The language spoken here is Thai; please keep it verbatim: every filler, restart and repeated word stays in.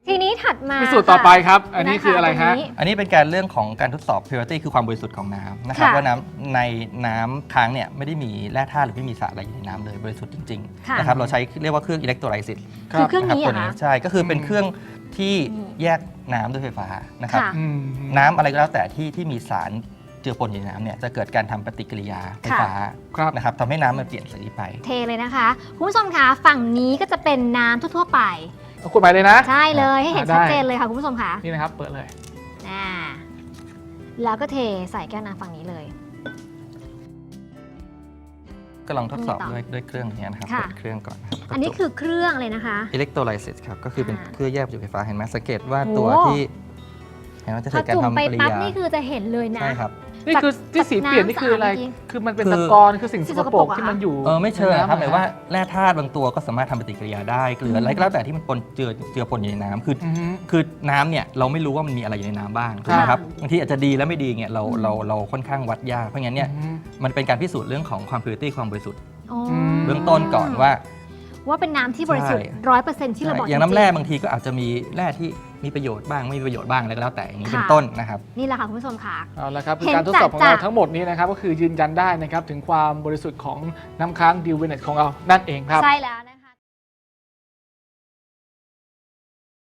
ทีนี้ถัดมามีสูตรต่อไปครับอันนี้คืออะไรฮะอันนี้เป็นการเรื่องของการทดสอบ purity คือความบริสุทธิ์ของน้ำนะครับว่าน้ำในน้ำค้างเนี่ยไม่ได้มีแร่ธาตุหรือไม่มีสารอะไรอยู่ในน้ำเลยบริสุทธิ์จริงๆนะครับเราใช้เรียกว่าเครื่องอิเล็กโทรไลซิสคือเครื่องนี้ตัวเหรอนี้คะใช่ก็คือเป็นเครื่องที่แยกน้ำด้วยไฟฟ้านะครับค่ะน้ำอะไรก็แล้วแต่ที่ที่มีสารเจือปนอยู่ในน้ำเนี่ยจะเกิดการทำปฏิกิริยาไฟฟ้าครับนะครับทำให้น้ำมันเปลี่ยนสีไปเทเลยนะคะคุณผู้ชมคะฝั่งนี้ก็จะเป็นน้ำทั่วๆไปเอาขวดใหม่เลยนะใช่เลยให้เห็นได้ชัดเจนเลยค่ะคุณผู้ชมคะนี่นะครับเปิดเลยอ่าแล้วก็เทใส่แก้วน้ำฝั่งนี้เลยก็ลองทดสอบมีต่อด้วยด้วยเครื่องนี้นะครับค่ะเปิดเครื่องก่อนนะครับอันนี้คือเครื่องเลยนะคะอิเล็กโทรไลซิสครับก็คือเป็นอ่าเครื่องแยกประจุไฟฟ้าเห็นไหมสังเกตว่าโอ้ตัวที่เห็นไหมจะพอเกิดการจุ่มทำไปปฏิกิริปั๊บยานี่คือจะเห็นเลยนะใช่ครับนี่คือที่สีเปลี่ยนนี่คืออะไรจากน้ำสะอาดจริงคือมันเป็นคือตะกอนคือสิ่งสิ่สงกสกปปรรกกอะที่มันอยู่เออไม่เชิงครับหในมายน้ำว่าแร่ธาตุบางตัวก็สามารถทำปฏิกิริยาได้เกลืออะไรก็แล้วแต่ที่มันปนเจือเจือปนอยู่ในน้ำคืออือฮึคือน้ำเนี่ยเราไม่รู้ว่ามันมีอะไรอยู่ในน้ำบ้างถูกไหมครับบางทีอาจจะดีและไม่ดีเนี่ยเราเราเราค่อนข้างวัดยากเพราะงั้นเนี่ยอืมมันเป็นการพิสูจน์เรื่องของความ purity ความบริสุทธิ์อ๋อมเบื้องต้นก่อนว่าว่าเป็นน้ำที่บริสุทธิ์ใช่ร้อยเปอร์เซ็นต์ที่เราบอกอย่างน้ำแร่จงๆบางทีก็อาจจะมีแร่ที่มีประโยชน์บ้างไม่มีประโยชน์บ้างอะไรก็แล้วแต่อย่างนี้ค่ะเป็นต้นนะครับนี่แหละค่ะคุณผู้ชมค่ะเอาละครับคือเห็นการทดสอบของเราจัดๆทั้งหมดนี้นะครับก็คือยืนยันได้นะครับถึงความบริสุทธิ์ของน้ำค้างดิวเวเนตของเรานั่นเองครับใช่แล้ว